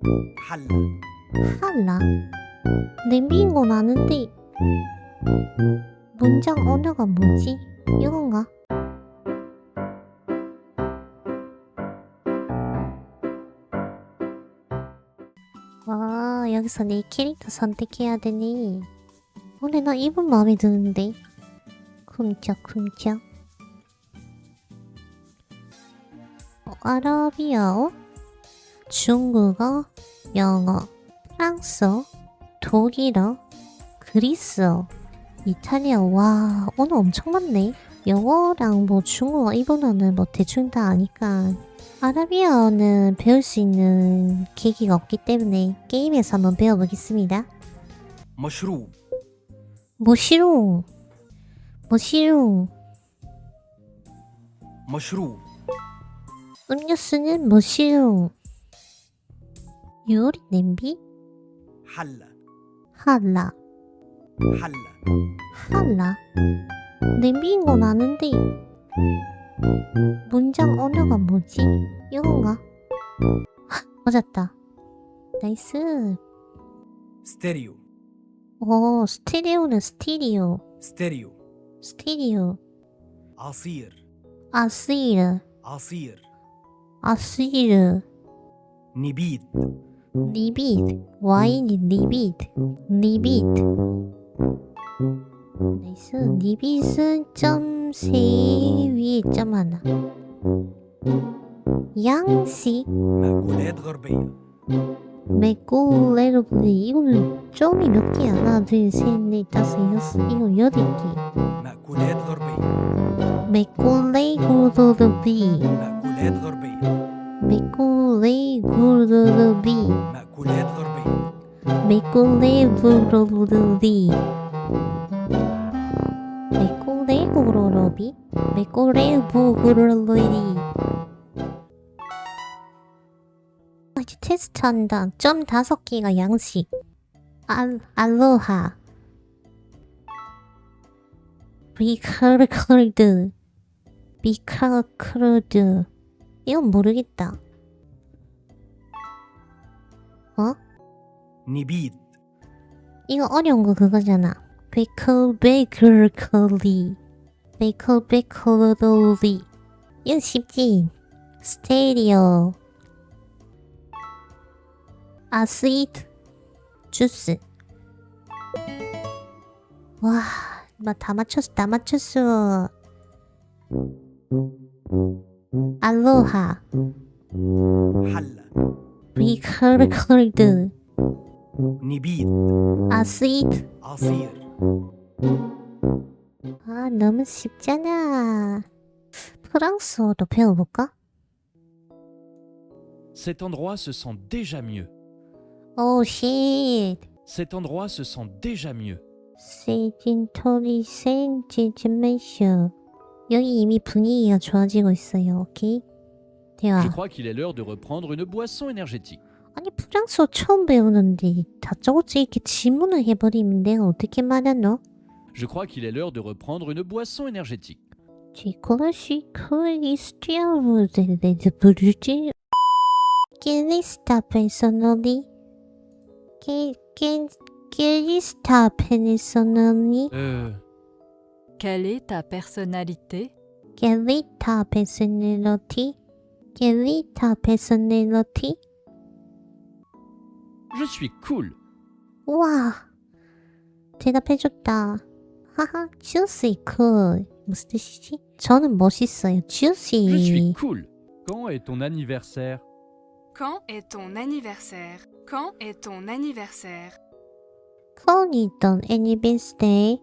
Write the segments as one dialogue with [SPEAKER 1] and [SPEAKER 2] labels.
[SPEAKER 1] حلة
[SPEAKER 2] 할라. 냄비인 건 아는데 문장 언어가 뭐지? 이건가? 와, 여기서 내 캐릭터 선택해야 되니. 근데 나 이분 마음에 드는데. 쿵짝쿵짝. 아라비아어, 중국어, 영어, 프랑스어, 독일어, 그리스어, 이탈리아. 와, 오늘 엄청 많네. 영어랑 뭐 중국어, 일본어는 뭐 대충 다 아니까 아라비아어는 배울 수 있는 계기가 없기 때문에 게임에서 한번 배워보겠습니다.
[SPEAKER 1] مشروب
[SPEAKER 2] 모시롱, 모시롱.
[SPEAKER 1] مشروب
[SPEAKER 2] 음료수는 모시롱. 요리 냄비?
[SPEAKER 1] حلة
[SPEAKER 2] 할라.
[SPEAKER 1] حلة
[SPEAKER 2] 할라. 냄비인 건 아는데 문장 언어가 뭐지? 이건가? 맞았다. 나이스.
[SPEAKER 1] ستيريو
[SPEAKER 2] 오, 스테레오는 스티리오.
[SPEAKER 1] ستيريو
[SPEAKER 2] 스티리오.
[SPEAKER 1] عصير
[SPEAKER 2] 아스이르.
[SPEAKER 1] عصير
[SPEAKER 2] 아스이르.
[SPEAKER 1] نبيذ
[SPEAKER 2] 리비드. 와인이 리비드. 리비드. 나이스. 리빗은 점 세 위에 점 하나. 양식.
[SPEAKER 1] مأكولات غربية
[SPEAKER 2] 맥고레르블리. 이거는 점이 몇 개야? 하나, 둘, 셋, 넷, 다섯, 여섯, 일곱, 여덟 개.
[SPEAKER 1] مأكولات غربية
[SPEAKER 2] 맥고레구르르비.
[SPEAKER 1] مأكولات غربية
[SPEAKER 2] 맥고레구르르비.
[SPEAKER 1] مأكولات غربية
[SPEAKER 2] 맥고레구르르비. 맥고레구르르비. 맥고레구르르비. 이제 테스트 한다. 점 5개가 양식. 알로하. 비카르컬드. 비카르컬드. 이건 모르겠다. 어?
[SPEAKER 1] نبيذ
[SPEAKER 2] 이거 어려운 거 그거잖아. 베이컬베이컬리. 베이컬베이컬리. 이거 쉽지. 스테리오. 아스이트. 주스. 와, 나 다 맞췄어, 다 맞췄어. 알로하.
[SPEAKER 1] حلة
[SPEAKER 2] 비컬컬드.
[SPEAKER 1] نبيذ
[SPEAKER 2] 아스이트.
[SPEAKER 1] عصير
[SPEAKER 2] 아, 너무 쉽잖아. 프랑스어도 배워볼까?
[SPEAKER 3] Cet endroit se sent déjà mieux.
[SPEAKER 2] 오, 쉣.
[SPEAKER 3] Cet endroit se sent déjà mieux.
[SPEAKER 2] 세진토리 센지즈메쇼. 여기 이미 분위기가 좋아지고 있어요. 오케이? 대화.
[SPEAKER 3] Je crois qu'il est l'heure de reprendre une boisson énergétique.
[SPEAKER 2] 아니, 프랑스어 처음 배우는데 다짜고짜 이렇게 질문을 해버리면 내가 어떻게 말하노?
[SPEAKER 3] Je crois qu'il est l'heure de reprendre une boisson énergétique.
[SPEAKER 2] 지코라시코 이스티아우데레드 부르지. 게리스타 페소널리. 게리스타 페소널리.
[SPEAKER 4] Quelle est ta personnalité?
[SPEAKER 2] 게리타 페소널리티. 게리타 페소널리티.
[SPEAKER 3] Je suis cool.
[SPEAKER 2] 우와, 대답해줬다. 하하, juicy cool. 무슨 뜻이지? 저는 멋있어요.
[SPEAKER 3] Je suis
[SPEAKER 2] juicy.
[SPEAKER 3] cool. Quand est ton anniversaire?
[SPEAKER 5] Quand est ton anniversaire? Quand est ton anniversaire?
[SPEAKER 2] 커니던 anniversary.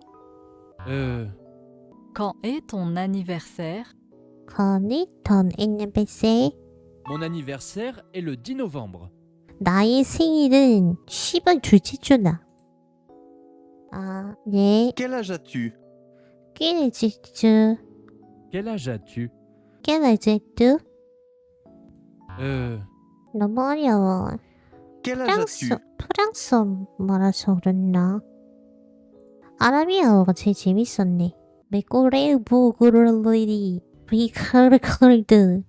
[SPEAKER 4] Quand est ton anniversaire?
[SPEAKER 2] 커니던 anniversary.
[SPEAKER 3] Mon anniversaire est le 10 novembre.
[SPEAKER 2] 나의 생일은 10월 둘째 주다. 아, 네.
[SPEAKER 6] Quel âge as-tu?
[SPEAKER 2] 끼리지주.
[SPEAKER 3] Quel âge as-tu?
[SPEAKER 2] 끼리지주.
[SPEAKER 3] Euh,
[SPEAKER 2] 너무 어려워.
[SPEAKER 6] Quel âge as-tu?
[SPEAKER 2] 프랑스어 말아서 그랬나? 아라비아어가 제일 재밌었네. 메꼬레부그럴리 비카르컬드